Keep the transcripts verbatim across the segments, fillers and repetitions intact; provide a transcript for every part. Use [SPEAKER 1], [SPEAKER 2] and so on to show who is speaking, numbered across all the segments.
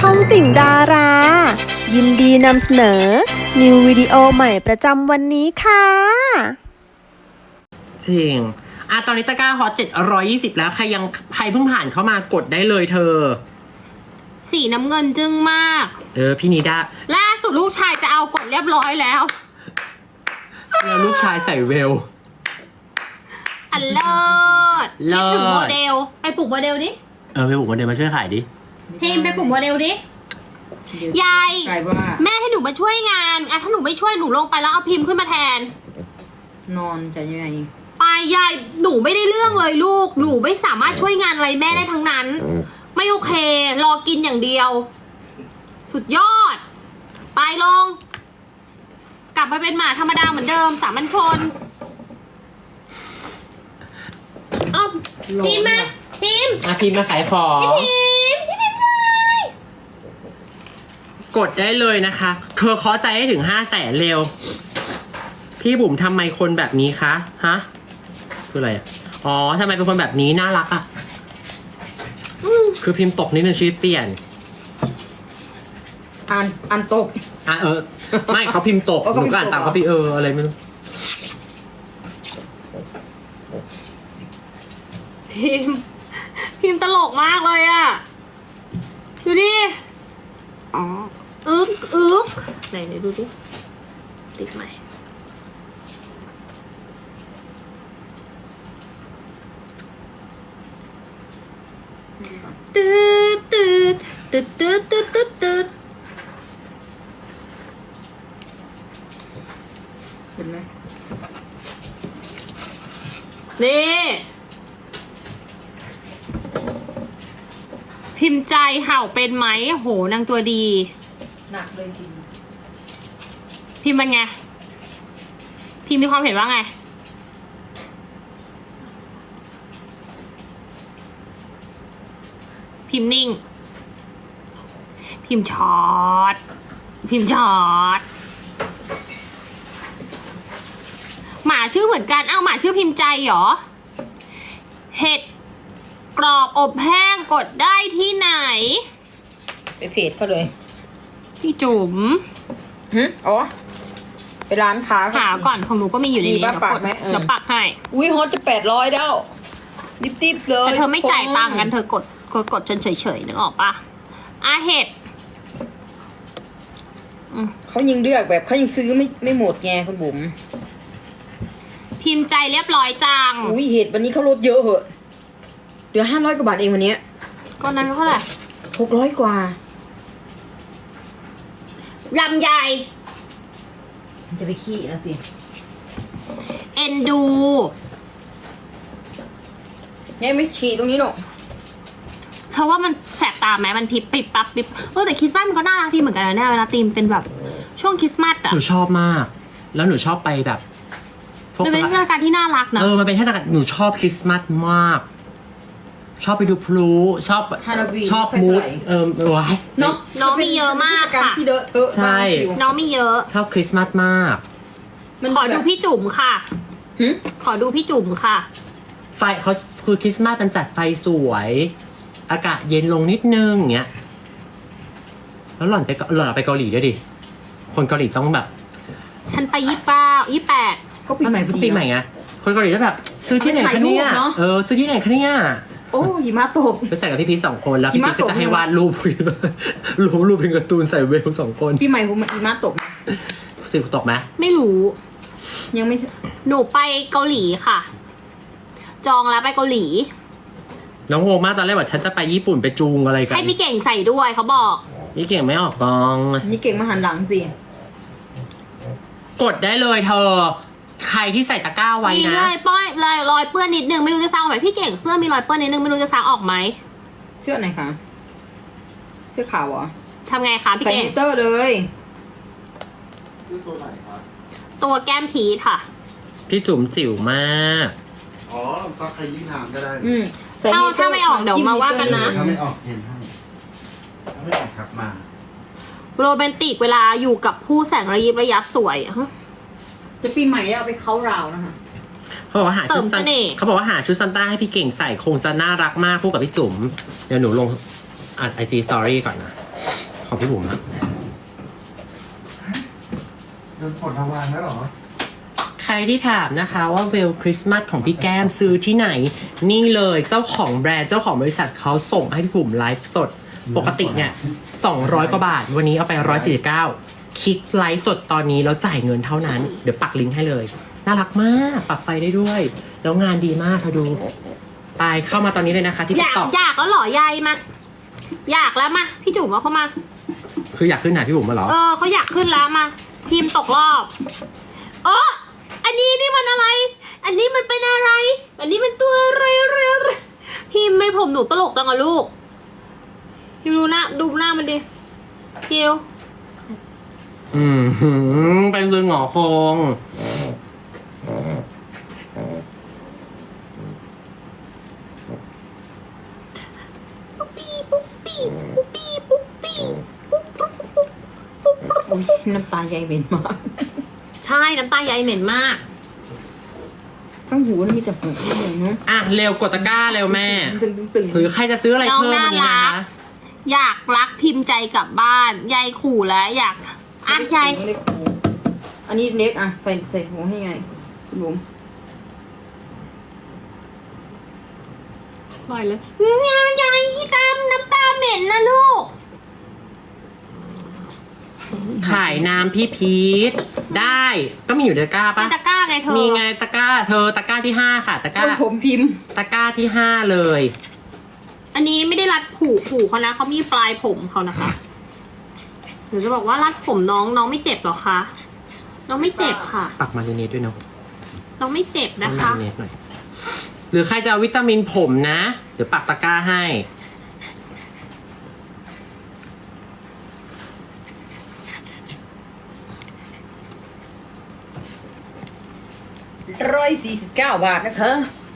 [SPEAKER 1] องติ่งดารา ยินดีนำเสนอ นิววิดีโอใหม่ประจำวันนี้ค่ะ
[SPEAKER 2] จริงอ่ะตอนนี้ตะกร้าฮอตเจ็ดร้อยยี่สิบแล้ว ใครยังใครเพิ่งผ่านเข้ามากดได้เลยเธอ
[SPEAKER 3] สีน้ำเงินจึ้งมาก
[SPEAKER 2] เออ พี่นิดา
[SPEAKER 3] ล่าสุดลูกชายจะเอากดเรียบร้อยแล้ว
[SPEAKER 2] แล้วลูกชายใส่เวล
[SPEAKER 3] อันเลิศ
[SPEAKER 2] เลิศ
[SPEAKER 3] คิดถึงโมเดล ไปปลุกโมเดลดิ
[SPEAKER 2] เออไปบุกมาเดินมาช่วยขายดิ
[SPEAKER 3] ทีมไปปลุกโมเดลดิ ยาย
[SPEAKER 4] กลายว่า
[SPEAKER 3] แม่ให้หนูมาช่วยงานอ่ะถ้าหนูไม่ช่วยหนูลงไปแล้วเอาพิมพ์ขึ้นมาแทน
[SPEAKER 4] นอนจะยังไง
[SPEAKER 3] ไปยายหนูไม่ได้เรื่องเลยลูก หนูไม่สามารถช่วยงานอะไรแม่ได้ทั้งนั้น ไม่โอเค รอกินอย่างเดียว สุดยอด ไปลง กลับไปเป็นหมาธรรมดาเหมือนเดิมสามัญชนเอ้าทีมมาทีม
[SPEAKER 2] อาทีมมาขายของ
[SPEAKER 3] ทีมพี่ทีมเลย
[SPEAKER 2] กดได้เลยนะคะเธอขอใจให้ถึงห้าแสนเร็ว พี่บุ๋มทำไมคนแบบนี้คะ ฮะ คืออะไรอ่ะ อ๋อทำไมเป็นคนแบบนี้น่ารักอ่ะ คือพิมพ์ตกนิดนึงชีวิตเปลี่ยน
[SPEAKER 4] อ่านอ่านตก
[SPEAKER 2] อ่ะเออ ไม่เขาพิมพ์ตก
[SPEAKER 4] อ๋อ
[SPEAKER 2] ห
[SPEAKER 4] เขา
[SPEAKER 2] นู
[SPEAKER 4] พิมพ์
[SPEAKER 2] ก็อ่านตาม
[SPEAKER 4] ตกเหรอ
[SPEAKER 2] เขาพี่เอออะไรไม่รู้
[SPEAKER 3] ทีมพิมตลกมากเลยอะดูดิอ๋ออึกอึกไหนไหนดูดิติดไหมตืดตืดตืดตืดตืดตืดตืด
[SPEAKER 4] เห็นไหม
[SPEAKER 3] นี่พิมพ์ใจเห่าเป็นไหมโหนางตัวดี
[SPEAKER 4] หนักเลยจริง
[SPEAKER 3] พิมพ์เป็นไง พิมพ์มีความเห็นว่าไง พิมพ์นิ่ง พิมพ์ช็อต พิมพ์ช็อต หมาชื่อเหมือนกัน เอ้าหมาชื่อพิมพ์ใจเหรอ เห็ดกรอบอบแห้งกดได้ที่ไหน
[SPEAKER 4] ไปเพจเขาเลย
[SPEAKER 3] พี่จุ๋ม
[SPEAKER 4] ฮึอ๋อไปร้านค้า
[SPEAKER 3] หาก่อนของหนูก็มีอยู่ใน
[SPEAKER 4] มี
[SPEAKER 3] นี้
[SPEAKER 4] ปะ
[SPEAKER 3] เดี๋ยว
[SPEAKER 4] ปั
[SPEAKER 3] ก
[SPEAKER 4] ก
[SPEAKER 3] ด
[SPEAKER 4] ไหมเออ
[SPEAKER 3] เดี๋ยวปักให้
[SPEAKER 4] อุ้ยฮอตจะแปดร้อยแล้วดิบๆเลย
[SPEAKER 3] แต่เธอไม่จ่ายตังค์กันเธอกดกดกดจนเฉยๆนึกออกปะอาเห็ด
[SPEAKER 4] เขายังเลือกแบบเขายังซื้อไม่ไม่หมดไงคุณบุ๋ม
[SPEAKER 3] พิมพ์ใจเรียบร้อยจัง
[SPEAKER 4] อุ้ยเห็ดวันนี้เขาลดเยอะเหอะเหลือห้าร้อยกว่าบาทเองวันเนี้ย
[SPEAKER 3] ก็นั้นเท่าไหร่
[SPEAKER 4] หกร้อยกว่า
[SPEAKER 3] ลำไย
[SPEAKER 4] มันจะไปขี้นะสิ
[SPEAKER 3] เอ็นดู
[SPEAKER 4] ยังไม่ฉีดตรงนี้หรอก
[SPEAKER 3] เธอว่ามันแสบตาไหมมันพิบปิบปั๊บปิบเออแต่คริสต์มาสมันก็น่ารักดีเหมือนกันนะเนี่ยเวลาธีมเป็นแบบช่วงคริสต์มาสอะ
[SPEAKER 2] หนูชอบมาก แล้วหนูชอบไปแบบพวก
[SPEAKER 3] มันเป็นเทศกาลที่น่ารักนะ
[SPEAKER 2] เออ มันเป็นเทศกาลหนูชอบคริสต์มาสมาก ชอบไปดูพลุชอบ
[SPEAKER 4] ฮาโลวีน
[SPEAKER 2] ชอบ
[SPEAKER 4] ไม่
[SPEAKER 2] มูด
[SPEAKER 4] เท่าไหร่
[SPEAKER 2] เออว้าย
[SPEAKER 4] เนาะ
[SPEAKER 3] น้องมีเยอะมาก
[SPEAKER 4] การ
[SPEAKER 3] ค่ะ
[SPEAKER 4] ที่เดอะเธอะ
[SPEAKER 2] ใช่
[SPEAKER 4] บ้านคิว
[SPEAKER 3] น้องมีเยอะ
[SPEAKER 2] ชอบคริสต์มาสมาก
[SPEAKER 4] มัน
[SPEAKER 3] ขอดูพี่จุ๋มค่ะ
[SPEAKER 4] หึ
[SPEAKER 3] ขอดูพี่จุ๋มค่ะ
[SPEAKER 2] ไฟเขาคือคริสต์มาสมันจัดไฟสวย อากาศเย็นลงนิดนึงอย่างเงี้ย แล้วหล่อนไปเกาหล่อนไปเกาหลีด้วยดิ คนเกาหลีต้องแบบ
[SPEAKER 3] ฉันไปยี่เป้ายี่แปด
[SPEAKER 4] ก็ปีใหม่พอดี
[SPEAKER 2] ปีใหม่ไง คนเกาหลีจะแบบ ซื้อที่ไหนคะเนี่ย
[SPEAKER 4] ถ่ายรูปเนอะ
[SPEAKER 2] เออ ซื้อที่ไหนคะเนี่ย
[SPEAKER 4] โอ้หิมะตก
[SPEAKER 2] ไปใส่กับพี่พีชสองคนแล้วพี่
[SPEAKER 4] หิ
[SPEAKER 2] พี
[SPEAKER 4] มะ
[SPEAKER 2] ชก็
[SPEAKER 4] ตก
[SPEAKER 2] จะให้วาดรูป รูปรูปเป็นการ์ตูนใส่เวลสองคน
[SPEAKER 4] ปีใหม่ผมหิมะตก
[SPEAKER 2] สิตกไหม
[SPEAKER 3] ไม่รู้
[SPEAKER 4] ยังไม่
[SPEAKER 3] หนูไปเกาหลีค่ะ จองแล้วไปเกาหลี
[SPEAKER 2] น้องโงงมากตอนแรกว่าฉันจะไปญี่ปุ่นไปจูงอะไรกัน
[SPEAKER 3] ให้พี่เก่งใส่ด้วยเขาบอก
[SPEAKER 2] นี่เก่งไม่ออกกอง
[SPEAKER 4] นี่เก่งมาหันหลังสิ
[SPEAKER 2] กดได้เลยเธอ ใครที่ใส่ตะกร้าไว้
[SPEAKER 3] มี
[SPEAKER 2] นะ
[SPEAKER 3] เลยป้อยเลยรอยเปื้อนนิดนึงไม่รู้จะซักออกไหมพี่เก่งเสื้อมีรอยเปื้อนนิดนึงไม่รู้จะซักออกไหม
[SPEAKER 4] เสื้อไหนคะเสื้อขาวเหรอ
[SPEAKER 3] ทำไงคะพี่
[SPEAKER 4] ใส่
[SPEAKER 3] เก่ง
[SPEAKER 4] มิเตอร์เลย
[SPEAKER 5] คือตัวไหนครับ
[SPEAKER 3] ตัวแก้มพีชค่ะ
[SPEAKER 2] พี่จุ๋มจิ๋วมาก
[SPEAKER 5] อ๋อก็ใครยิ่งทำก็ได้
[SPEAKER 4] อืมใส่
[SPEAKER 3] เอา
[SPEAKER 4] มิเตอร์
[SPEAKER 3] ถ้าไม่ออกเดี๋ยวมาว่ากันนะ
[SPEAKER 5] ถ้าไม่ออกเห็นให้ถ้าไม่ออกครับมา
[SPEAKER 3] โรแมนติกเวลาอยู่กับผู้แสงระยิบระยับสวยฮะ
[SPEAKER 4] จะปีใหม่เอาไปเข้าราวนะคะ
[SPEAKER 2] เขาบอกว่าหาชุด
[SPEAKER 3] เสริม
[SPEAKER 2] ซัน
[SPEAKER 3] เสน่ห์
[SPEAKER 2] เขาบอกว่าหาชุดซันต้าให้พี่เก่งใส่คงจะน่ารักมากคู่กับพี่จุ๋มเดี๋ยวหนูลงอ่ะไอจีสตอรี่ก่อนนะของพี่บุ๋มนะ
[SPEAKER 5] โดนผลทวารแล้วเหรอ
[SPEAKER 2] ใครที่ถามนะคะว่าเวลคริสต์มาสของพี่แก้มซื้อที่ไหน นี่เลยเจ้าของแบรนด์เจ้าของบริษัทเขาส่งให้พี่บุ๋มไลฟ์สด ปกติเนี่ยสองร้อยกว่าบาท วันนี้เอาไปหนึ่งร้อยสี่สิบเก้าคลิกไลฟ์สดตอนนี้แล้วจ่ายเงินเท่านั้น เดี๋ยวปักลิงก์ให้เลย น่ารักมากปรับไฟได้ด้วย แล้วงานดีมากเธอดูไปเข้ามาตอนนี้เลยนะคะที่
[SPEAKER 3] อยาก
[SPEAKER 2] TikTok
[SPEAKER 3] อยากแล้วเหรอยายมา อยากแล้วมา พี่จุ๋มเอาเข้ามา
[SPEAKER 2] คืออยากขึ้นหาพี่บุ๋มมาเหรอ
[SPEAKER 3] เออเขาอยากขึ้นแล้วมา พิมพ์ตกรอบเอออันนี้นี่มันอะไร อันนี้มันเป็นอะไร อันนี้มันตัวอะไรอะไรอะไรพิมพ์ไม่ผมหนูตลกจังอะลูกพิมดูหน้าดูหน้ามันดิพิว
[SPEAKER 2] อืมหืมเป็นซึงหงอคง
[SPEAKER 3] ปุ๊บปี้ปุ๊บปี้ปุ๊บปี้ปุ๊บปี้ปุ๊บปุ๊บปุ๊บปุ๊บปุ๊บ
[SPEAKER 4] อุ๊ยน้ำตาใหญ่เหม็นมาก
[SPEAKER 3] ใช่น้ำตาใยเหม็นมาก
[SPEAKER 4] ทั้งหูนี่มีแต่หูที่เหม็นเนาะ
[SPEAKER 2] อ่ะเร็วกดตะกร้าเร็วแม่
[SPEAKER 4] ตึงตึงตึง
[SPEAKER 2] หรือใครจะซื้ออะไรเพิ่มวันนี้นะคะ
[SPEAKER 3] อยากรักพิมพ์ใจกลับบ้านยายขู่แล้วอยากอ่ะยาย
[SPEAKER 4] ไม่ได้หูอันนี้เน็กอ่ะใส่ใส่หูให้ไงคุณบุ๋ม
[SPEAKER 3] ปล่อยเลยยายยายที่ตามน้ำตาเหม็นนะลูก
[SPEAKER 2] ขายน้ำพี่พีทได้ก็มีอยู่ในตะกร้า
[SPEAKER 3] เป็
[SPEAKER 2] ปะ
[SPEAKER 3] นตะกร้าไงเธอ
[SPEAKER 2] มีไงตะกร้า เธอตะกร้าที่ห้าค่ะ ตะกร้า
[SPEAKER 4] คนผมพิมพ์
[SPEAKER 2] ตะกร้าที่ห้าเลย
[SPEAKER 3] อันนี้ไม่ได้รัดผูกผูกเขานะเขามีปลายผมเขานะคะหนูจะบอกว่ารัดผมน้องน้องไม่เจ็บหรอคะน้องไม่เจ็บค่ะ
[SPEAKER 2] ปักมาเรเนตด้วยเนาะ
[SPEAKER 3] น้องไม่เจ็บนะคะ
[SPEAKER 2] มาเรเนตหน่อยหรือใครจะเอาวิตามินผมนะ เดี๋ยวปักตะกร้าให้
[SPEAKER 4] ร้อยสี่สิบเก้าบาทนะคะ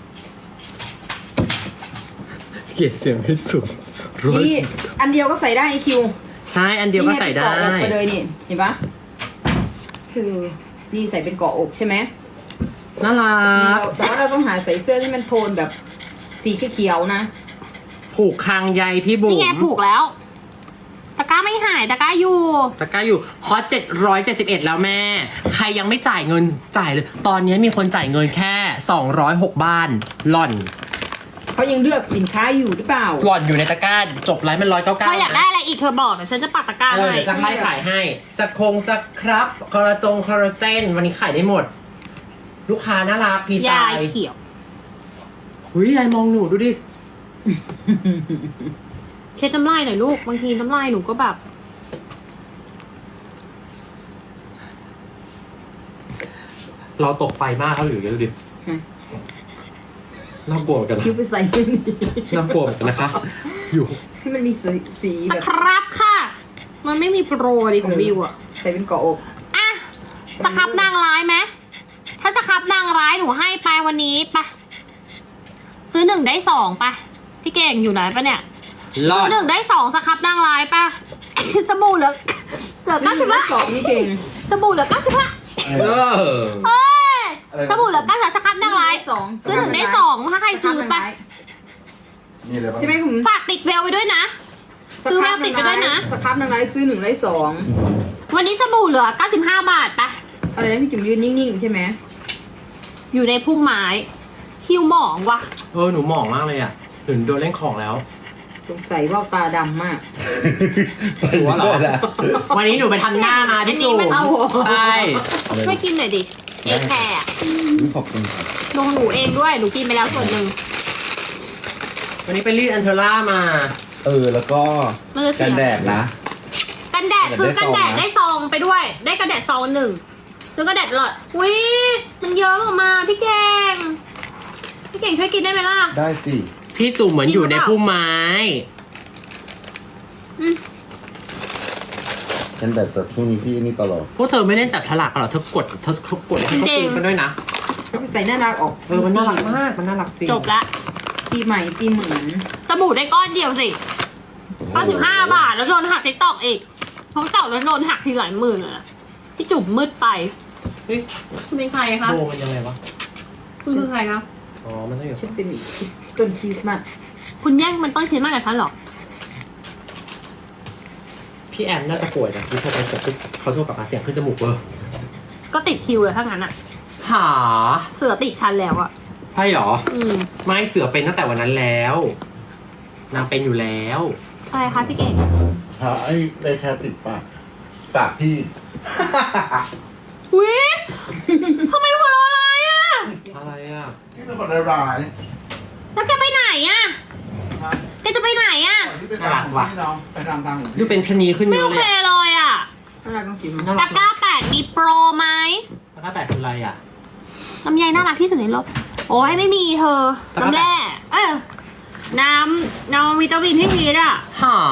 [SPEAKER 2] เกลียดเสียงไม่สูง
[SPEAKER 4] นี่อันเดียวก็ใส่ได้ไอคิว
[SPEAKER 2] ใช่อันเดียวก็ใส่ได้
[SPEAKER 4] นี่งเป็นเกาะอกไปเลยนี่เห็นปะคือนี่ใส่เป็นเกาะอกใช่ไหม
[SPEAKER 2] น่ารั
[SPEAKER 4] นี่
[SPEAKER 2] ก
[SPEAKER 4] เราแต่ว่าเราต้องหาใส่เสื้อที่มันโทนแบบสีเขียวๆนะ
[SPEAKER 2] ผูกคางใยพี่บุ๋
[SPEAKER 3] นี่ไง
[SPEAKER 2] ม
[SPEAKER 3] ผูกแล้ว ตะกร้าไม่หายตะกร้าอยู่
[SPEAKER 2] ตะกร้าอยู่ฮอตเจ็ดร้อยเจ็ดสิบเอ็ดแล้วแม่ ใครยังไม่จ่ายเงินจ่ายเลย ตอนนี้มีคนจ่ายเงินแค่สองร้อยหกบ้านหล่อน
[SPEAKER 4] เขายังเลือกสินค้าอยู่หรือเปล่า
[SPEAKER 2] หล่อนอยู่ในตะกร้าจบไลฟ์มันร้อยเก้า
[SPEAKER 3] เธ
[SPEAKER 2] เก้า
[SPEAKER 3] ออยากได้อะไรอีกเธอบอกเดี๋ยวฉันจะปักตะกร้า
[SPEAKER 2] เออ
[SPEAKER 3] ให้
[SPEAKER 2] เดี๋ยวจะไล่ขายให้สคงสครับคอลลาจงคอลลาเจนวันนี้ขายได้หมด ลูกค้าน่ารักฟรีสไต
[SPEAKER 3] ยาย
[SPEAKER 2] ล์
[SPEAKER 3] เขียว
[SPEAKER 2] หุยยายมองหนูดูดิ
[SPEAKER 3] เช็ดน้ำลายหน่อยลูกบางทีน้ำลายหนูก็แบบ
[SPEAKER 2] เราตกไฟมากเขาอยู่เยอะดูดิ
[SPEAKER 4] ฮะ
[SPEAKER 2] น่ากลัวเหมือนกันนะ
[SPEAKER 4] คิวไปใส่ให้มันดี
[SPEAKER 2] น่ากลัวเหมือนกันนะคะ อยู่
[SPEAKER 4] ให้มันมีสีสี
[SPEAKER 3] ส
[SPEAKER 4] แบบ
[SPEAKER 3] ครับค่ะ มันไม่มีโปรดิของวิวอะ
[SPEAKER 4] ใส่เป็นเกาะอก
[SPEAKER 3] อ่ะสครับนางร้ายไหมถ้าสครับนางร้ายหนูให้ไปวันนี้ปะซื้อหนึ่งได้สองปะที่เก่งอยู่ไหนปะเนี่ย
[SPEAKER 2] รอ
[SPEAKER 3] ซื้
[SPEAKER 2] ด
[SPEAKER 3] อหนึ่งได้สองสครับนางร้ายปะ สบู่เหลือเหลือเก้าสิบห้า
[SPEAKER 4] สองนี่เก่ง
[SPEAKER 3] สบู่เหลือเก้าสิบห้า
[SPEAKER 2] เออ
[SPEAKER 3] เอ้ยสบู่เหลือเก้าสิบสครับนางร้าย
[SPEAKER 4] สอง
[SPEAKER 3] ซื้อหนึ่งได้สองถ้าใครซื้อปะ
[SPEAKER 5] นี่เลยปะ
[SPEAKER 4] ใช่ไหมคุณ
[SPEAKER 3] ฝากติดแววไปด้วยนะ ซื้อแววติดไปด้วยนะ
[SPEAKER 4] สครับนางร้ายซื้อหนึ่งได้สอง
[SPEAKER 3] วันนี้สบู่เหลือเก้าสิบห้าบาทปะ
[SPEAKER 4] อะไรนะพี่จุ๋มยืนนิ่งๆใช่ไหม
[SPEAKER 3] อยู่ในพุ่มไม้หิวหมองว่ะ
[SPEAKER 2] เออหนูหมองมากเลยอ่ะหนูโดนเล่นของแล้ว
[SPEAKER 4] สงสัยว่าตาดำมาก
[SPEAKER 2] หัวเหรอ วันนี้หนูไปทำหน้ามาที่จู
[SPEAKER 3] อันนี้มันเอา
[SPEAKER 2] ใช่
[SPEAKER 3] ช่วยกินหน่อยดิเอแคร์อะ
[SPEAKER 5] ขอบคุณครับ
[SPEAKER 3] ลงหนูเองด้วย หนูกินไปแล้วส่วนหนึ่ง
[SPEAKER 2] วันนี้ไปรีดอันเทอร่ามา
[SPEAKER 5] เออ แล้วก็
[SPEAKER 3] มันจะเสี
[SPEAKER 5] กัน
[SPEAKER 3] ย
[SPEAKER 5] แดดนะ
[SPEAKER 3] กันแดดซื้อกันแดดได้ซองไปด้วย ได้กันแดดซองหนึ่งซื้อกันแดดหลอดอุ้ยมันเยอะออกมาพี่เก่งพี่เก่งช่วยกินได้ไหมล่ะ
[SPEAKER 5] ได้สิ
[SPEAKER 2] พี่จุ๋มเหมือนอยู่ในพุ่มไม้
[SPEAKER 3] อืม
[SPEAKER 5] กันแดดแต่ช่วงนี้พี่นี่ตลอด
[SPEAKER 2] พวกเธอไม่เล่นจับฉลากกันเหรอเธอกดเธอกดให้เขาซื้อกันด้วยนะ
[SPEAKER 4] ก็ไปใส่หน้ารักออก
[SPEAKER 2] เออมันน่ารักมากมันน่ารักสิ
[SPEAKER 3] จบละ
[SPEAKER 4] ปีใหม่ปีเหมือน
[SPEAKER 3] สบู่ได้ก้อนเดียวสิเก้าสิบห้าบาทแล้วโดนหักทิกตอกอีกทิกตอกแล้วโดนหักทีหลายหมื่นเลยอะพี่จุ๋มมืดไป
[SPEAKER 2] เฮ้ย
[SPEAKER 3] คุณเป็นใครคะ
[SPEAKER 2] โบมันยังไงวะ
[SPEAKER 3] คุณคือใครคะ
[SPEAKER 2] อ๋อมันต้องอยู่
[SPEAKER 4] ฉันเป็นต้นคริสต์มาส
[SPEAKER 3] คุณแย่งมันต้นคริสต์มาสกับฉันเหรอ
[SPEAKER 2] พี่แอมน่าจะป่วยนะที่โทรไปเสร็จปุ๊บเขาโทรกลับมาเสียงขึ้นจมูกเวอร์
[SPEAKER 3] ก็ติดคิวเลยถ้างั้นอะ
[SPEAKER 2] หา
[SPEAKER 3] เสือติดชั้นแล้วอะ
[SPEAKER 2] ใช่หรอ
[SPEAKER 3] อืม
[SPEAKER 2] ไม่เสือเป็นตั้งแต่วันนั้นแล้วนางเป็นอยู่แล้ว
[SPEAKER 3] อะไรคะพี่เก่ง
[SPEAKER 5] หาไอ้ได้แค่ติดปากปากพี่
[SPEAKER 3] วิทำไมหัวเราะอะไรอะ
[SPEAKER 2] อะไรอ่ะ
[SPEAKER 5] พี่เป็นคนร้าย
[SPEAKER 3] แล้วแกไปไหนอะแกจะไปไหนอะ
[SPEAKER 5] ๆที่ไปตามของพี่น้องไปตามทางของ
[SPEAKER 2] ดู
[SPEAKER 5] พี่
[SPEAKER 2] เป็นชะนีขึ้น
[SPEAKER 3] ไม่
[SPEAKER 2] เย
[SPEAKER 3] โอ
[SPEAKER 2] อะเล
[SPEAKER 3] เค
[SPEAKER 2] ย
[SPEAKER 3] เลยอะ
[SPEAKER 4] น่ารักต้องกิน
[SPEAKER 2] น่า
[SPEAKER 3] ตะ
[SPEAKER 2] รัก
[SPEAKER 3] กร้าแปดมีโปรไหม
[SPEAKER 2] ตะกร้าแปดคืออะไรอ่ะ
[SPEAKER 3] ลำไยน่ารักที่สุดในโลกโอ้ยไม่มีเธอ
[SPEAKER 2] ตะกร้า
[SPEAKER 3] น้ำแร่เออน้ำน้ำวิตามินพี่พีทอะ
[SPEAKER 2] หา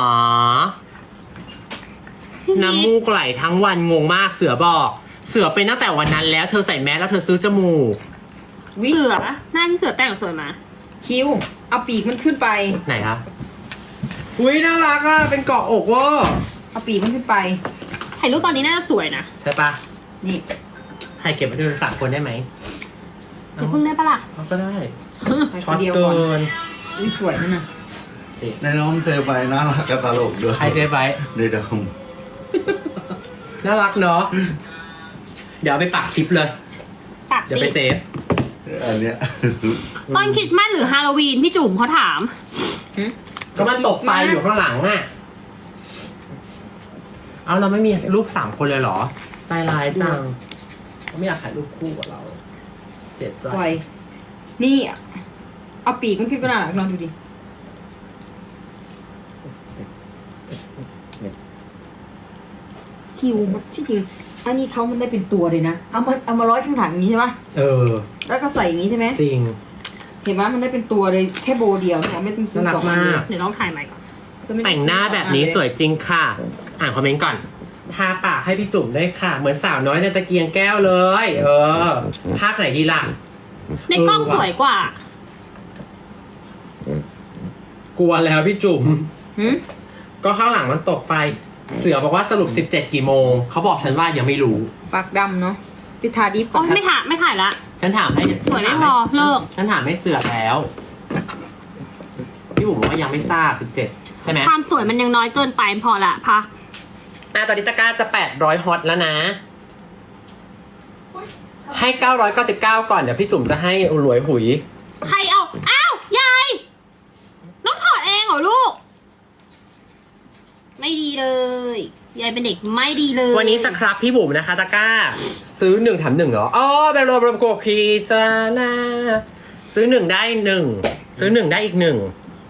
[SPEAKER 3] พี่พี
[SPEAKER 2] น้ำมูกไหลทั้งวันงงมากเสือบอก เสือเป็นตั้งแต่วันนั้นแล้วเธอใส่แมสแล้วเธอซื้อจมูก
[SPEAKER 4] วิ
[SPEAKER 3] เสือหน้าที่เสือแต่งสวยมา
[SPEAKER 4] คิวเอาปีกมันขึ้นไป
[SPEAKER 2] ไหนคะอุ้ยน่ารักอ่ะเป็นเกาะอกเวอร์
[SPEAKER 4] เอาปีกมันขึ้นไป
[SPEAKER 3] ถ่ายรูปตอนนี้น่าจะสวยนะ
[SPEAKER 2] ใช่ปะ
[SPEAKER 4] นี่
[SPEAKER 2] ให้เก็บไว้ดูสามคนได้ไหม
[SPEAKER 3] เดี๋ยวพึ่งได้ปะล่ะ
[SPEAKER 2] เอาก็ได้
[SPEAKER 4] ไป
[SPEAKER 2] ช็อต
[SPEAKER 4] เดียว
[SPEAKER 2] เกิ
[SPEAKER 4] ก่อน
[SPEAKER 2] น
[SPEAKER 4] อุ้ยสวยนั่นน่ะ
[SPEAKER 2] จริง
[SPEAKER 5] ในน้องเซไปน่ารักกับตลกด้วย
[SPEAKER 2] ไอเจไบท์
[SPEAKER 5] ในดม
[SPEAKER 2] น่ารักเนาะเดี๋ยวเอาไปปักคลิปเลย
[SPEAKER 3] ปาก
[SPEAKER 2] เดี๋ยว
[SPEAKER 3] สิ
[SPEAKER 2] ไปเซฟ
[SPEAKER 5] อันเนี้ย
[SPEAKER 3] ต้นคริสต์มาสหรือฮาโลวีนพี่จุ๋มเขาถาม
[SPEAKER 2] ก็มันตกไฟอยู่ข้างหลังอ่ะ เอาเราไม่มีรูปสามคนเลยเหรอ ใจร้ายจังเขาไม่อยากถ่ายรูปคู่กับเรา เสียใจ
[SPEAKER 4] ปล่อยนี่เอาปีกมันขึ้นก็น่ารักลองดูดิคิวที่จริงอันนี้เขามันได้เป็นตัวเลยนะเอามาเอามาร้อยข้างหลังอย่างนี้ใช่ปะ
[SPEAKER 2] เออ
[SPEAKER 4] แล้วก็ใส่อย่างนี้ใช่ไหม
[SPEAKER 2] จริง
[SPEAKER 4] เห็นไหมมันได้เป็นตัวเลยแค่โบเดียวเนี่ยไม่ต้องซื้อ
[SPEAKER 2] น่ารัก
[SPEAKER 4] สองอัน
[SPEAKER 2] มาก
[SPEAKER 3] เดี๋ยวลองถ่ายใหม่ก่อน
[SPEAKER 4] ก็ไม่อ
[SPEAKER 2] แต่งหน้าแบบนี้สวยจริงค่ะ อ่านคอมเมนต์ก่อน ทาปากให้พี่จุ๋มได้ค่ะ เหมือนสาวน้อยในตะเกียงแก้วเลย เออ ภาคไหนดีล่ะ
[SPEAKER 3] ในกล้องสวยกว่า
[SPEAKER 2] กลัวแล้วพี่จุ๋ม
[SPEAKER 4] หืม
[SPEAKER 2] ก็ข้างหลังมันตกไฟ เสือบอกว่าสรุปสิบเจ็ดกี่โมง เขาบอกฉันว่ายังไม่รู้
[SPEAKER 4] ปากดำเนาะพิธาดิฟ
[SPEAKER 3] อ๋อไม่ถ่ายไม่ถ่ายละ
[SPEAKER 2] ฉันถามให้
[SPEAKER 3] สวยไม่พอเลิก
[SPEAKER 2] ฉันถามให้เสือแล้ว พี่บุ๋มบอกว่ายังไม่ทราบสิบเจ็ดใช่ไหม
[SPEAKER 3] ความสวยมันยังน้อยเกินไปพอละพัก
[SPEAKER 2] อ่ะตอนนี้ตะกร้าจะแปดร้อยฮอตแล้วนะ ให้เก้าร้อยเก้าสิบเก้าก่อน เดี๋ยวพี่จุ๋มจะให้หลวยหุย
[SPEAKER 3] ใครเอา อ้าว ยาย น้องถอดเองเหรอลูก ไม่ดีเลย ยายเป็นเด็กไม่ดีเลย
[SPEAKER 2] วันนี้สครับพี่บุ๋มนะคะตะกร้า ซื้อหนึ่งแถมหนึ่งเหรอ อ๋อแบบรวมรวมโกคีจานาซื้อหนึ่งได้หนึ่ง ซื้อหนึ่งได้อีกหนึ่ง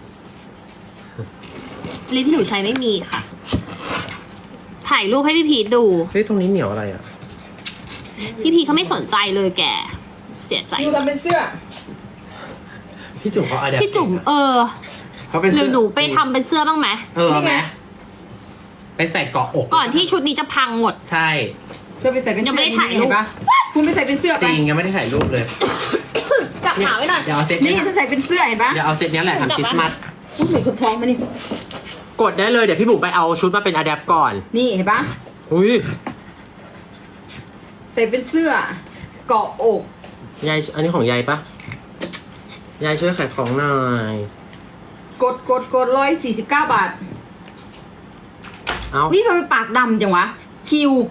[SPEAKER 3] ลิปที่หนูใช้ไม่มีค่ะ ถ่ายรูปให้พี่พีทดู
[SPEAKER 2] เฮ้ยตรงนี้เหนียวอะไรอ่ะ
[SPEAKER 3] พี่พีทเขาไม่สนใจเลยแก เสียใจ
[SPEAKER 4] คิวทำเป็นเสื้อ
[SPEAKER 2] พี่จุ๋มเขาอะแดป
[SPEAKER 3] พี่จุ๋มเออ
[SPEAKER 2] เขาเป็น
[SPEAKER 3] หรือ
[SPEAKER 2] เสื้
[SPEAKER 3] หนูไปทำเป็นเสื้อบ้างไหม
[SPEAKER 2] เออเอาไหมไปใส่เกาะอก
[SPEAKER 3] ก่อนที่ชุดนี้จะพังหมด
[SPEAKER 2] ใช่
[SPEAKER 4] เสื้อไปใส่เป็น
[SPEAKER 3] ยัง
[SPEAKER 4] เสื้
[SPEAKER 3] ไม่
[SPEAKER 4] อ
[SPEAKER 3] ได้ถ่ายรูป
[SPEAKER 4] เห็นปะคุณไปใส่เป็นเสื้อ
[SPEAKER 2] จ
[SPEAKER 4] ไป
[SPEAKER 2] ริงยังไม่ได้ใส่รูปเลย
[SPEAKER 3] จับขาไว้หน่อย
[SPEAKER 2] เดี๋ยวเอาเซต
[SPEAKER 4] นี่
[SPEAKER 2] นี้
[SPEAKER 4] ฉันใส่เป็นเสื้อเห็นปะ
[SPEAKER 2] เดี๋ยวเอาเซตนี้แหละทำคริสต์มาส
[SPEAKER 4] พูดเหมือนคนท้องมานี่
[SPEAKER 2] กดได้เลยเดี๋ยวพี่บุ๋มไปเอาชุดมาเป็นอะแดปก่อน
[SPEAKER 4] นี่เห็นปะ
[SPEAKER 2] อุ้ย
[SPEAKER 4] ใส่เป็นเสื้อเกาะอก
[SPEAKER 2] ยายอันนี้ของยายปะยายช่วยขายของหน่อย
[SPEAKER 4] กดกดกดร้อยสี่สิบเก้าบาท
[SPEAKER 2] เอา
[SPEAKER 4] วิทำไมปากดำจังวะ คิว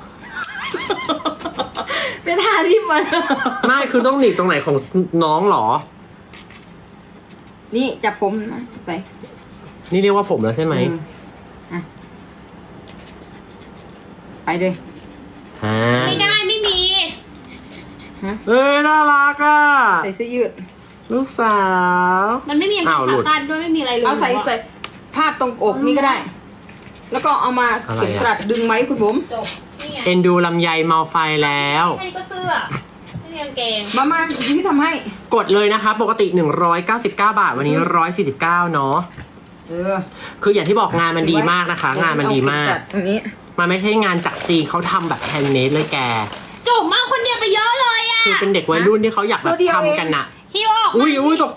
[SPEAKER 4] เป็นทาที่มัน
[SPEAKER 2] ไม่คือต้องหนีบตรงไหนของน้องเหรอ
[SPEAKER 4] นี่จับผมนะใส่
[SPEAKER 2] นี่เรียกว่าผมแล้วใช่ไหม
[SPEAKER 4] เอออ่ะไปเลย
[SPEAKER 2] อ่า
[SPEAKER 3] ไม่ได้ไม่มี
[SPEAKER 2] เอ้ยน่ารักอ่ะ
[SPEAKER 4] ใส่เสื้อยืด
[SPEAKER 2] ลูกสาว
[SPEAKER 3] มันไม่มีกางเก
[SPEAKER 2] อ้าง วหลุ
[SPEAKER 3] ขา
[SPEAKER 2] ด
[SPEAKER 3] สั้นด้วยไม่มีอะไรเลย
[SPEAKER 4] เอาใส่ใส่ภาพตรงอกนี่ก็ได้ แล้วก็เอามา
[SPEAKER 2] อะไรอะ
[SPEAKER 4] เก็บกระดาษดึงไหมคุณผม
[SPEAKER 3] จบนี่ไง
[SPEAKER 2] เอ็นดูลำไยเมาไฟแล้ว
[SPEAKER 3] แค่นี้ก็เสื้อไม่มีกางเกง
[SPEAKER 4] มามาที่ทำให้
[SPEAKER 2] กดเลยนะคะ ปกติหนึ่งร้อยเก้าสิบเก้าบาท วันนี้หนึ่งร้อยสี่สิบเก้าเนาะ
[SPEAKER 4] เออ
[SPEAKER 2] คืออย่างที่บอกงานมันดีมากนะคะ งานมันดีมาก
[SPEAKER 4] เอเบจัดตรงนี้
[SPEAKER 2] มันไม่ใช่งานจากจีนเขาทำแบบแฮนด์เมดเลยแก
[SPEAKER 3] จุ๋มมาคนเดียวไปเยอะเลยอะ
[SPEAKER 2] คือเป็นเด็กวัยรุ่นที่เขาอยากแบบทำกันน่ะ
[SPEAKER 3] ฮิวออกมา
[SPEAKER 2] อุ้ยอุ้ยตก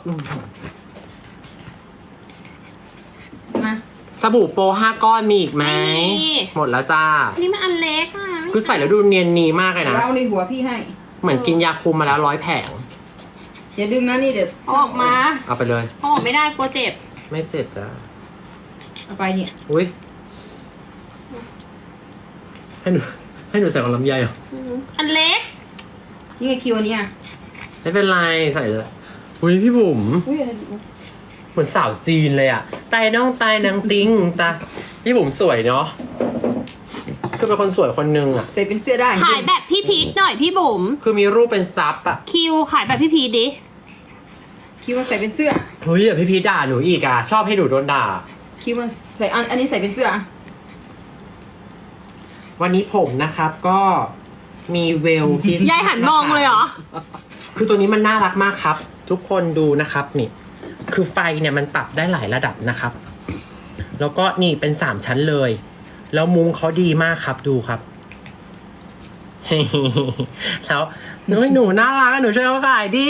[SPEAKER 4] มา
[SPEAKER 2] สบู่โปรห้าก้อนมีอีกไหม
[SPEAKER 3] ไม่มี
[SPEAKER 2] หมดแล้วจ้า
[SPEAKER 3] อันนี่มันอันเล็กอะไม่
[SPEAKER 2] คือใส่แล้วดูเนียนนีมากเลยนะ
[SPEAKER 4] เราในหัวพี่ให้
[SPEAKER 2] เหมือนกินยาคุมมาแล้วร้อยแผง
[SPEAKER 4] อย่าดึงนะนี่เดี๋ยว
[SPEAKER 3] เอาออกมา
[SPEAKER 2] เอาไปเลย
[SPEAKER 3] เอาออกไม่ได้กลัวเจ็บ
[SPEAKER 2] ไม่เจ็บจ้า
[SPEAKER 4] เอาไปเนี่ย
[SPEAKER 2] อุ้ยให้หนูให้หนูใส่ของลำไยเหรอ
[SPEAKER 3] อันเล็ก
[SPEAKER 4] นี่ไงคิวอันเนี้ย
[SPEAKER 2] ไม่เป็นไรใส่เลยอุ้ยพี่บุ๋ม
[SPEAKER 4] อุ้ยอะไร
[SPEAKER 2] เหมือนสาวจีนเลยอะตายน้องตายนางติงตาพี่บุ๋มสวยเนาะคือเป็นคนสวยคนนึงอะ
[SPEAKER 4] ใส่เป็นเสื้อได้
[SPEAKER 3] ขายแบบพี่พีทหน่อยพี่บุ๋ม
[SPEAKER 2] คือมีรูปเป็นซับอะ
[SPEAKER 3] คิวขายแบบพี่พีทดิ
[SPEAKER 4] คิวมาใส่เป็นเสื้อ
[SPEAKER 2] เฮ้ยอย่าพี่พีชด่าหนูอีกอะชอบให้หนูโดนด่า
[SPEAKER 4] คิวมาใส่อันอันนี้ใส่เป็นเสื้อ
[SPEAKER 2] วันนี้ผมนะครับก็มีเวลที่
[SPEAKER 3] ยายหันมองเลยเหรอ
[SPEAKER 2] คือตัวนี้มันน่ารักมากครับ ทุกคนดูนะครับนี่ คือไฟเนี่ยมันปรับได้หลายระดับนะครับ แล้วก็นี่เป็นสามชั้นเลย แล้วมุ้งเขาดีมากครับดูครับ แล้วหนูหนูน่ารักอะหนูช่วยเขาขายดิ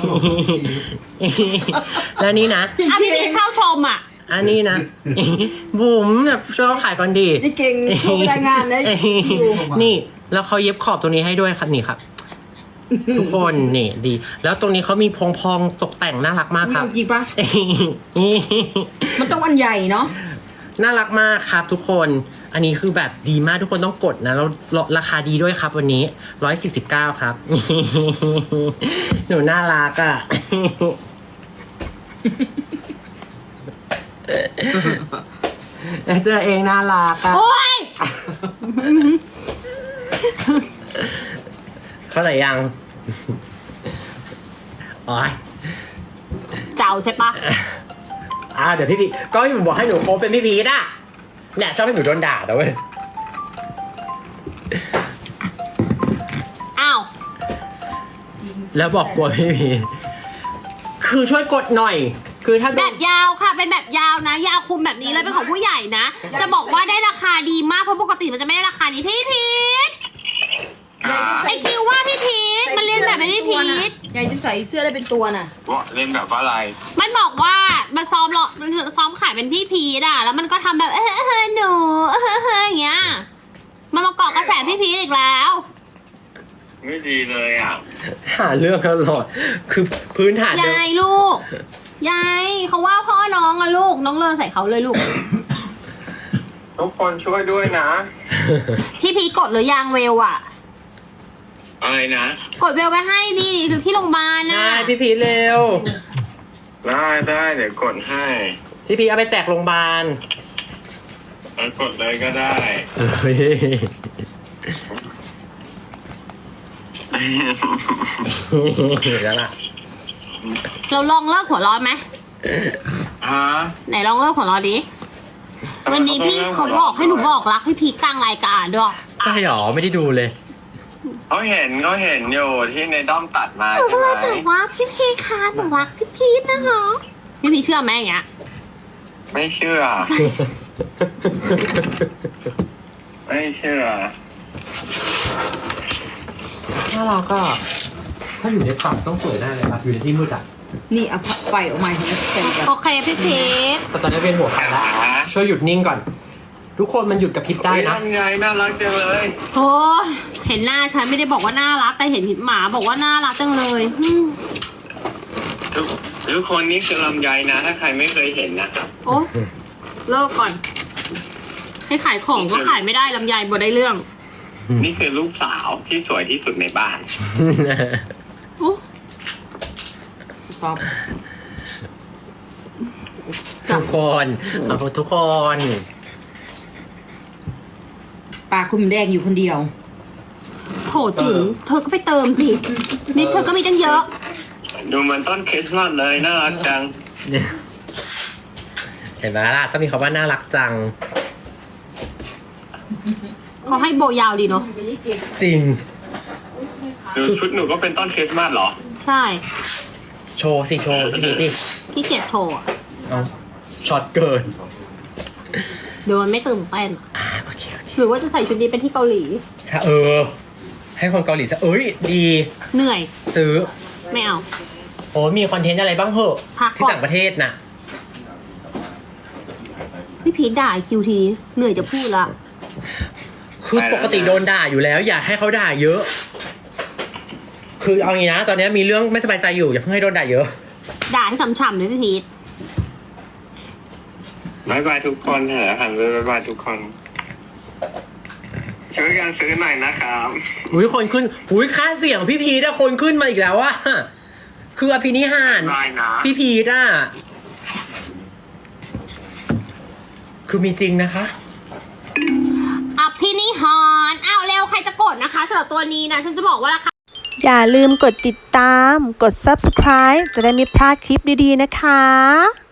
[SPEAKER 2] แล้วนี่นะ
[SPEAKER 3] อ่ะพี่พีทเข้าชมอ่ะ
[SPEAKER 2] อันนี้นะ บุ๋มแบบช่วยเขาขายก่อนดี
[SPEAKER 4] นี่เก่งโทรรายงานนะคิว
[SPEAKER 2] นี่แล้วเขาเย็บขอบตรงนี้ให้ด้วยครับนี่ครับ ทุกคนนี่ดี แล้วตรงนี้เขามีพองพองๆตกแต่งน่ารักมาก
[SPEAKER 4] มี
[SPEAKER 2] ครับ
[SPEAKER 4] จริงปะมันต้องอันใหญ่เนาะ
[SPEAKER 2] น่ารักมากครับทุกคน อันนี้คือแบบดีมากทุกคนต้องกดนะแล้วราคาดีด้วยครับวันนี้ร้อยสี่สิบเก้าครับ หนูน่ารักอ่ะ เจอเองน่ารักอ่ะ
[SPEAKER 3] โอ้ย
[SPEAKER 2] เข้าใจยัง โอ้ย
[SPEAKER 3] เจ้าใช่ปะ
[SPEAKER 2] อ่าเดี๋ยวพี่พีก็พี่ผมบอกให้หนูโคบเป็นพี่พีทอ่ะเนี่ยชอบให้หนูโดนด่าแต่เว้ย
[SPEAKER 3] อ้าว
[SPEAKER 2] แล้วบอกกลัวพี่พีคือช่วยกดหน่อย คือถ้าโด
[SPEAKER 3] แบ
[SPEAKER 2] น
[SPEAKER 3] บยาวค่ะ เป็นแบบยาวนะ ยาวคุมแบบนี้เลยเป็นของผู้ใหญ่นะ จะบอกว่าได้ราคาดีมากเพราะปกติมันจะไม่ได้ราคานี้พี่พีทไอคิวว่าพี่พีทมันเรียนแบบเป็นพี่พีท
[SPEAKER 4] ยายจะใส่เสื้อได้เป็นตัวน่ะ
[SPEAKER 6] ว่าเล่นแบบว่าอะไร
[SPEAKER 3] มันบอกว่ามันซ้อมหรอมันซ้อมขายเป็นพี่พีทอ่ะแล้วมันก็ทำแบบเออเออหนูเออเอออย่างเงี้ยมันมาเกาะกระแสพี่พีทอีกแล้ว
[SPEAKER 6] ไม่ดีเลยอ่ะ
[SPEAKER 2] หาเรื่องตลอดคือพื้นฐานเดิม
[SPEAKER 3] ยายลูก ยายเขาว่าพ่อน้องอะลูก น้องเลอใส่เขาเลยลูก
[SPEAKER 6] ทุกคนช่วยด้วยนะ
[SPEAKER 3] พี่พีทกดหรือยังเวลอะ
[SPEAKER 6] อะไรนะ
[SPEAKER 3] กดเวลไปให้ดิคือที่โรงพยาบาลน่ะ
[SPEAKER 2] ใช่พี่พีทเร็ว
[SPEAKER 6] ได้ได้เดี๋ยวกดให้
[SPEAKER 2] พี่พีทเอาไปแจกโรงพยาบาล
[SPEAKER 6] เอากดเลยก็ได้
[SPEAKER 2] เฮ้ยแล้วล่ะ
[SPEAKER 3] เราลองเลิกหัวเร้อนไหม
[SPEAKER 6] ฮะ
[SPEAKER 3] ไหนลองเลิกหัวเร้อนดิ วันนี้พี่เขาบอกให้หนูบอกรักพี่พีทกลางรายการด้วย
[SPEAKER 2] ใช่หรอไม่ได้ดูเลย
[SPEAKER 6] เขาเห็นเขาเห็นอยู่ที่ในด้อมตัดมา
[SPEAKER 3] เอ
[SPEAKER 6] ใช่ไหม
[SPEAKER 3] อแบบว่าพี่พีทคะหนูรักพี่พีทนะคะพี่พีทเชื่อไหมอย่างเงี้ย
[SPEAKER 6] ไม่เชื่อ ไม่เชื่อ
[SPEAKER 2] ถ้าเราก็ ถ้าอยู่ในป่าต้องสวยแน่เลยครับอยู่ในที่มืดอ่ะ
[SPEAKER 4] นี่เอาพับไฟออกมาเห็นไหมใส่กัน
[SPEAKER 3] โอเคพี่พีท
[SPEAKER 2] แต่ตอนนี้เป็นหัวไฟแล้วช่วยหยุดนิ่งก่อน ทุกคนมันหยุดกับพริบได้
[SPEAKER 6] เฮ้ย
[SPEAKER 2] นะ
[SPEAKER 6] ทำไงน่ารักจังเลย
[SPEAKER 3] โอ้ยเห็นหน้าฉันไม่ได้บอกว่าน่ารักแต่เห็นหมาบอกว่าน่ารักจังเลยอืม
[SPEAKER 6] ทุกทุกคนนี่คือลำไยนะ ถ้าใครไม่เคยเห็นนะครับ
[SPEAKER 3] โอ้เลิกก่อน ให้ขายของก็ขายไม่ได้ลำไยบ่ได้เรื่อง
[SPEAKER 6] นี่คือลูกสาวที่สวยที่สุดในบ้าน
[SPEAKER 3] โอ้
[SPEAKER 4] ป๊อป
[SPEAKER 2] ทุกคนเอาทุกคน
[SPEAKER 4] ปากคุณแดงอยู่คนเดียว
[SPEAKER 3] โหจุ๋มเธอก็ไปเติมสินี่เธอก็มีตั้งเยอะ
[SPEAKER 6] ดูเหมือนต้นคริสต์มาสเลยน่ารักจัง
[SPEAKER 2] เห็นไหมล่ะก็มีคำว่าน่ารักจัง
[SPEAKER 3] เขาให้โบยาวดีเนาะ
[SPEAKER 2] จริง
[SPEAKER 6] ดูชุดหนูก็เป็นต้นคริสต์มาสเหรอ
[SPEAKER 3] ใช่
[SPEAKER 2] โชว์สิโชว์สิดิ
[SPEAKER 3] พี่เกียจโชว์อะ
[SPEAKER 2] เอาช็อตเกิน
[SPEAKER 3] เดี๋ยวมันไม่ตื่นเต้น
[SPEAKER 2] อ่าโอเคโอเค
[SPEAKER 3] หรือว่าจะใส่ชุดนี้เป็นที่เกาหลี
[SPEAKER 2] ใช่เออ ให้คนเกาหลีซะเอ้ยดี
[SPEAKER 3] เหนื่อย
[SPEAKER 2] ซื้อ
[SPEAKER 3] ไม่เอา
[SPEAKER 2] โอ้มีคอนเทนต์อะไรบ้างเหอะ
[SPEAKER 3] พักก่อน
[SPEAKER 2] ที่ต่างประเทศน่ะ
[SPEAKER 3] พี่พีทด่าคิวทีนี้เหนื่อยจะพูดละ
[SPEAKER 2] คือปกติโดนด่าอยู่แล้ว อยากให้เขาด่าเยอะ คือเอางี้นะ ตอนนี้มีเรื่องไม่สบายใจอยู่อย่าเพิ่งให้โดนด่าเยอะ
[SPEAKER 3] ด่าให้ฉ่ำๆเลยพี่พีท
[SPEAKER 6] บายบายทุกคนเถอะหันไปบายบายทุกคนช่วยกันซื้อหน่อยนะครับ
[SPEAKER 2] อุ้ยคนขึ้นอุ้ยค่าเสียงพี่พีทอะคนขึ้นมาอีกแล้วอะคืออภินิหาร
[SPEAKER 6] ได้นะ
[SPEAKER 2] พี่พีทอะคือมีจริงนะคะ
[SPEAKER 3] อภินิหารอ้าวเร็วใครจะกดนะคะสำหรับตัวนี้นะฉันจะบอกว่าราคา
[SPEAKER 1] อย่าลืมกดติดตาม กด ซับสไครบ์ จะได้ไม่พลาดคลิปดีๆนะคะ